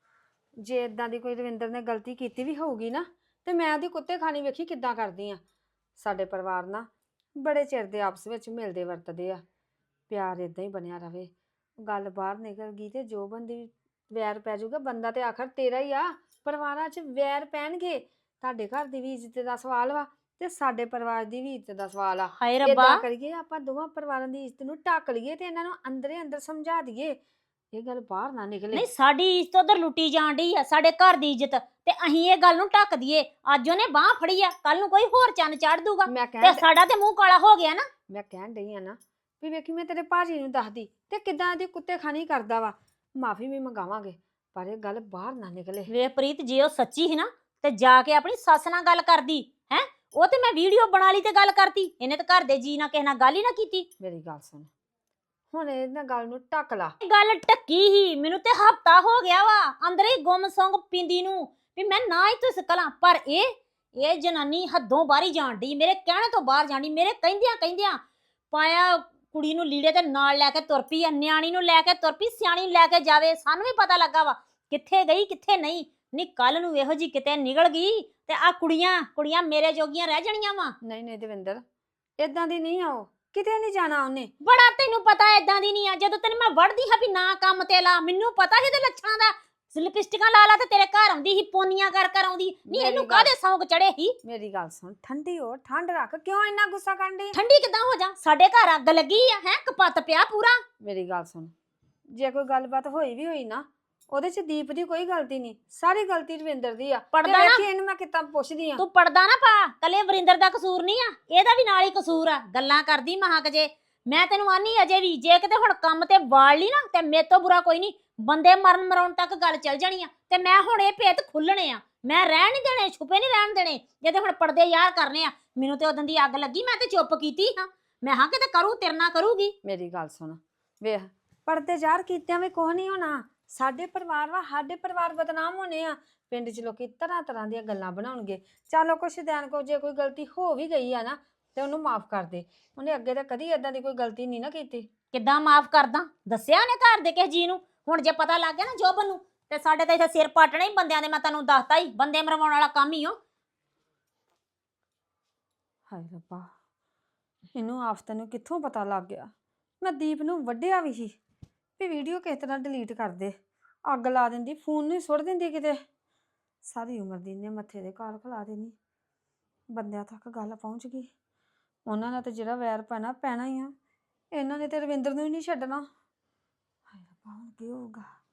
Speaker 7: ਜੇ ਇਦਾਂ ਦੀ ਕੋਈ ਦਵਿੰਦਰ ਨੇ ਗਲਤੀ ਕੀਤੀ ਵੀ ਹੋਊਗੀ ਨਾ ਤੇ ਮੈਂ ਉਹਦੀ ਕੁੱਤੇ ਖਾਣੀ ਵੇਖੀ ਕਿੱਦਾਂ ਕਰਦੀ ਆ। ਸਾਡੇ ਪਰਿਵਾਰ ਨਾ ਬੜੇ ਚਿਰ ਦੇ ਆਪਸ ਵਿੱਚ ਮਿਲਦੇ ਵਰਤਦੇ ਆ, ਪਿਆਰ ਇਦਾਂ ਹੀ ਬਣਿਆ ਰਵੇ। ਗੱਲ ਬਾਹਰ ਨਿਕਲ ਗਈ ਤੇ ਜੋ ਬੰਦੀ ਵੈਰ ਪੈ ਜਾਊਗਾ, ਬੰਦਾ ਤੇ ਆਖਰ ਤੇਰਾ ਹੀ ਆ। ਪਰਿਵਾਰਾਂ 'ਚ ਵੈਰ ਪੈਣਗੇ। ਤੁਹਾਡੇ ਘਰ ਦੀ ਵੀ ਇੱਜ਼ਤ ਦਾ ਸਵਾਲ ਵਾ ਤੇ ਸਾਡੇ ਪਰਿਵਾਰ ਦੀ ਵੀ ਇੱਜ਼ਤ ਦਾ ਸਵਾਲ ਆ।
Speaker 6: ਹਾਏ ਰੱਬਾ,
Speaker 7: ਏਦਾਂ ਕਰੀਏ ਆਪਾਂ ਦੋਵਾਂ ਪਰਿਵਾਰਾਂ ਦੀ ਇੱਜ਼ਤ ਨੂੰ ਢੱਕ ਲਈਏ ਤੇ ਇਹਨਾਂ ਨੂੰ ਅੰਦਰੇ ਅੰਦਰ ਸਮਝਾ ਦਈਏ, ਇਹ ਗੱਲ ਬਾਹਰ ਨਾ ਨਿਕਲੇ।
Speaker 6: ਨਹੀਂ ਸਾਡੀ ਇੱਜ਼ਤ ਉਧਰ ਲੁੱਟੀ ਜਾਣ ਡਈ ਆ, ਸਾਡੇ ਘਰ ਦੀ ਇੱਜ਼ਤ, ਤੇ ਅਸੀਂ ਇਹ ਗੱਲ ਨੂੰ ਢੱਕ ਦਈਏ। ਅੱਜ ਉਹਨੇ ਬਾਹ ਫੜੀ ਆ, ਕੱਲ ਨੂੰ ਕੋਈ ਹੋਰ ਚੰਨ ਚੜ ਦੂਗਾ
Speaker 7: ਮੈਂ
Speaker 6: ਤੇ
Speaker 7: ਕਹਿਣ
Speaker 6: ਸਾਡਾ ਤੇ ਮੂੰਹ ਕਾਲਾ ਹੋ ਗਿਆ ਨਾ।
Speaker 7: ਮੈਂ ਕਹਿਣ ਡਈ ਆ ਨਾ ਵੀ ਵੇਖੀ ਮੈਂ ਤੇਰੇ ਭਾਜੀ ਨੂੰ ਦੱਸਦੀ ਤੇ ਕਿੱਦਾਂ ਦੀ ਕੁੱਤੇ ਖਾਣੀ ਕਰਦਾ ਵਾ। ਮਾਫੀ ਵੀ ਮੰਗਾਵਾਂਗੇ ਪਰ ਇਹ ਗੱਲ ਬਾਹਰ ਨਾ ਨਿਕਲੇ।
Speaker 6: ਵੇ ਪ੍ਰੀਤ, ਜੇ ਉਹ ਸੱਚੀ ਸੀ ਨਾ ਤੇ ਜਾ ਕੇ ਆਪਣੀ ਸੱਸ ਨਾਲ ਗੱਲ ਕਰਦੀ ਹੈ। ਉਹ ਤੇ ਮੈਂ ਵੀਡੀਓ ਬਣਾ ਲਈ ਤੇ ਗੱਲ ਕਰਤੀ, ਇਹਨੇ ਤਾਂ ਘਰ ਦੇ ਜੀ ਨਾਲ ਕਿਸੇ ਨਾਲ ਗੱਲ ਹੀ ਨਾ ਕੀਤੀ।
Speaker 7: ਮੇਰੀ ਗੱਲ ਸੁਣ, ਹੁਣ ਇਹਨਾਂ ਗੱਲ ਨੂੰ ਢੱਕ ਲਾ।
Speaker 6: ਗੱਲ ਟੱਕੀ ਹੀ, ਮੈਨੂੰ ਤੇ ਹਫਤਾ ਹੋ ਗਿਆ ਵਾ ਅੰਦਰ ਹੀ ਗੁੰਮ ਸੁੰਗ ਪਿੰਦੀ ਨੂੰ ਵੀ ਮੈਂ ਨਾ ਹੀ ਤੁਸ ਕਲਾਂ। ਪਰ ਇਹ ਜਨਾਨੀ ਹੱਦੋਂ ਬਾਹਰ ਹੀ ਜਾਣ ਡਈ, ਮੇਰੇ ਕਹਿਣੇ ਤੋਂ ਬਾਹਰ ਜਾਣੀ। ਮੇਰੇ ਕਹਿੰਦਿਆਂ ਪਾਇਆ ਕੁੜੀ ਨੂੰ ਲੀੜੇ ਤੇ ਨਾਲ ਲੈ ਕੇ ਤੁਰ ਪਈ ਆ, ਨਿਆਣੀ ਨੂੰ ਲੈ ਕੇ ਤੁਰ ਪਈ, ਸਿਆਣੀ ਨੂੰ ਲੈ ਕੇ ਜਾਵੇ। ਸਾਨੂੰ ਵੀ ਪਤਾ ਲੱਗਾ ਵਾ ਕਿੱਥੇ ਗਈ ਕਿੱਥੇ ਨਹੀਂ। ਨੀ ਕੱਲ ਨੂੰ ਇਹੋ ਜੀ ਕਿਤੇ ਨਿਕਲ ਗਈ ਤੇ ਆ ਕੁੜੀਆਂ ਮੇਰੇ ਜੋਗੀਆਂ ਰਹਿ ਜਾਣੀਆਂ ਵਾ।
Speaker 7: ਨਹੀਂ ਦਵਿੰਦਰ, ਇਦਾਂ ਦੀ ਨਹੀਂ ਆਓ, ਕਿਤੇ ਨਹੀਂ ਜਾਣਾ ਉਹਨੇ।
Speaker 6: ਬੜਾ ਤੈਨੂੰ ਪਤਾ ਏਦਾਂ ਦੀ ਨਹੀਂ ਆ। ਜਦੋਂ ਤੈਨੂੰ ਮੈਂ ਵੜਦੀ ਹਾਂ ਵੀ ਨਾ ਕੰਮ ਤੇ ਲਾ, ਮੈਨੂੰ ਪਤਾ ਸੀ ਤੇ ਲੱਛਣਾਂ ਦਾ। ਲਿਪਸਟਿਕਾਂ ਲਾ ਤੇ ਤੇਰੇ ਘਰ ਆਉਂਦੀ ਸੀ, ਪੋਨੀਆਂ ਕਰ ਆਉਂਦੀ। ਨਹੀਂ ਇਹਨੂੰ ਕਾਹਦੇ ਸੌਂਕ ਚੜੇ ਸੀ?
Speaker 7: ਮੇਰੀ ਗੱਲ ਸੁਣ, ਠੰਡੀ ਹੋ, ਠੰਡ ਰੱਖ, ਕਿਉਂ ਇੰਨਾ ਗੁੱਸਾ ਕਰਨ ਡਈ?
Speaker 6: ਠੰਡੀ ਕਿੱਦਾਂ ਹੋ ਜਾ? ਸਾਡੇ ਘਰ ਅੱਗ ਲੱਗੀ ਆ, ਹੈ ਕਪੱਤ ਪਿਆ ਪੂਰਾ।
Speaker 7: ਮੇਰੀ ਗੱਲ ਸੁਣ, ਜੇ ਕੋਈ ਗੱਲਬਾਤ ਹੋਈ ਵੀ ਹੋਈ ਨਾ ਉਹਦੇ 'ਚ ਦੀਪ ਦੀ ਕੋਈ ਗਲਤੀ ਨਹੀਂ, ਸਾਰੀ ਗਲਤੀ ਰਵਿੰਦਰ ਦੀ ਆ।
Speaker 6: ਪੜਦਾ
Speaker 7: ਤੇ
Speaker 6: ਨਾ,
Speaker 7: ਵੇਖੀ ਇਹਨੂੰ ਮੈਂ ਕਿੱਦਾਂ ਪੁੱਛਦੀ ਆ।
Speaker 6: ਤੂੰ ਪੜਦਾ ਨਾ ਪਾ, ਕੱਲੇ ਵਰਿੰਦਰ ਦਾ ਕਸੂਰ ਨਹੀਂ ਆ, ਇਹਦਾ ਵੀ ਨਾਲ ਹੀ ਕਸੂਰ ਆ। ਗੱਲਾਂ ਕਰਦੀ ਮਹਾਕ ਜੇ। ਮੈਂ ਤੈਨੂੰ ਆਨੀ ਅਜੇ ਵੀ, ਜੇ ਕਿਤੇ ਹੁਣ ਕੰਮ ਤੇ ਵਾਲ ਲਈ ਨਾ ਤੇ ਮੇਰੇ ਤੋਂ ਬੁਰਾ ਕੋਈ ਨਹੀਂ। ਬੰਦੇ ਮਰਨ ਮਰਾਉਣ ਤੱਕ ਗੱਲ ਚੱਲ ਜਾਣੀ ਆ ਤੇ ਮੈਂ ਹੁਣ ਇਹ ਭੇਤ ਖੁੱਲਣੇ ਆ। ਮੈਂ ਰਹਿਣ ਨਹੀਂ ਦੇਣੇ, ਛੁਪੇ ਨਹੀਂ ਰਹਿਣ ਦੇਣੇ। ਜੇ ਤੇ ਹੁਣ ਪਰਦੇ ਯਾਰ ਕਰਨੇ ਆ। ਮੈਨੂੰ ਤੇ ਉਦੋਂ ਦੀ ਅੱਗ ਲੱਗੀ, ਮੈਂ ਤੇ ਚੁੱਪ ਕੀਤੀ ਹਾਂ। ਮੈਂ ਹਾਂ ਕਿਤੇ ਕਰੂ ਤੇਰੇ ਨਾਲ ਕਰੂਗੀ।
Speaker 7: ਮੇਰੀ ਗੱਲ ਸੁਣ, ਵੇਖ ਪਰਦੇ ਜ਼ਾਹਰ ਕੀਤਿਆਂ ਵੀ ਕੁਛ ਨਹੀਂ ਹੋਣਾ। ਸਾਡੇ ਪਰਿਵਾਰ ਵਾ, ਸਾਡੇ ਪਰਿਵਾਰ ਬਦਨਾਮ ਹੋਣੇ ਆ। ਪਿੰਡ 'ਚ ਲੋਕੀ ਤਰ੍ਹਾਂ ਦੀਆਂ ਗੱਲਾਂ ਬਣਾਉਣਗੇ। ਚਲੋ ਕੁਛ ਦਿਨ ਕੋ ਜੇ ਕੋਈ ਗਲਤੀ ਹੋ ਵੀ ਗਈ ਆ ਨਾ ਤੇ ਉਹਨੂੰ ਮਾਫ ਕਰ ਦੇ। ਉਹਨੇ ਅੱਗੇ ਤਾਂ ਕਦੀ ਏਦਾਂ ਦੀ ਕੋਈ ਗਲਤੀ ਨਹੀਂ ਨਾ ਕੀਤੀ।
Speaker 6: ਕਿੱਦਾਂ ਮਾਫ ਕਰਦਾ? ਦੱਸਿਆ ਉਹਨੇ ਘਰ ਦੇ ਕਿਸੇ ਜੀ ਨੂੰ? ਹੁਣ ਜੇ ਪਤਾ ਲੱਗ ਗਿਆ ਨਾ ਜੋਬਨ ਨੂੰ ਤੇ ਸਾਡੇ ਤਾਂ ਇੱਥੇ ਸਿਰ ਪਾਟਣਾ ਹੀ ਬੰਦਿਆਂ ਦੇ। ਮੈਂ ਤੈਨੂੰ ਦੱਸਤਾ ਹੀ, ਬੰਦੇ ਮਰਵਾਉਣ ਵਾਲਾ ਕੰਮ ਹੀ ਓ।
Speaker 7: ਹਾਏ ਰੱਬਾ, ਇਹਨੂੰ ਆਫਤ ਨੂੰ ਕਿੱਥੋਂ ਪਤਾ ਲੱਗ ਗਿਆ? ਮੈਂ ਦੀਪ ਨੂੰ ਵੱਢਿਆ ਵੀ ਸੀ ਵੀ ਵੀਡੀਓ ਕਿਸ ਤਰ੍ਹਾਂ ਡਿਲੀਟ ਕਰ ਦੇ। ਅੱਗ ਲਾ ਦਿੰਦੀ, ਫੋਨ ਨੂੰ ਸੁੱਟ ਦਿੰਦੀ ਕਿਤੇ। ਸਾਰੀ ਉਮਰ ਦੀ ਇਹਨੇ ਮੱਥੇ ਦੇ ਘਾਲ ਖਿਲਾ ਦੇਣੀ। ਬੰਦਿਆਂ ਤੱਕ ਗੱਲ ਪਹੁੰਚ ਗਈ। ਉਹਨਾਂ ਨਾਲ ਤੇ ਜਿਹੜਾ ਵੈਰ ਪੈਣਾ ਹੀ ਆ। ਇਹਨਾਂ ਨੇ ਤੇ ਰਵਿੰਦਰ ਨੂੰ ਹੀ ਨਹੀਂ ਛੱਡਣਾ। ਹਾਏ ਰੱਬਾ, ਹੁਣ ਕੀ ਹੋਊਗਾ?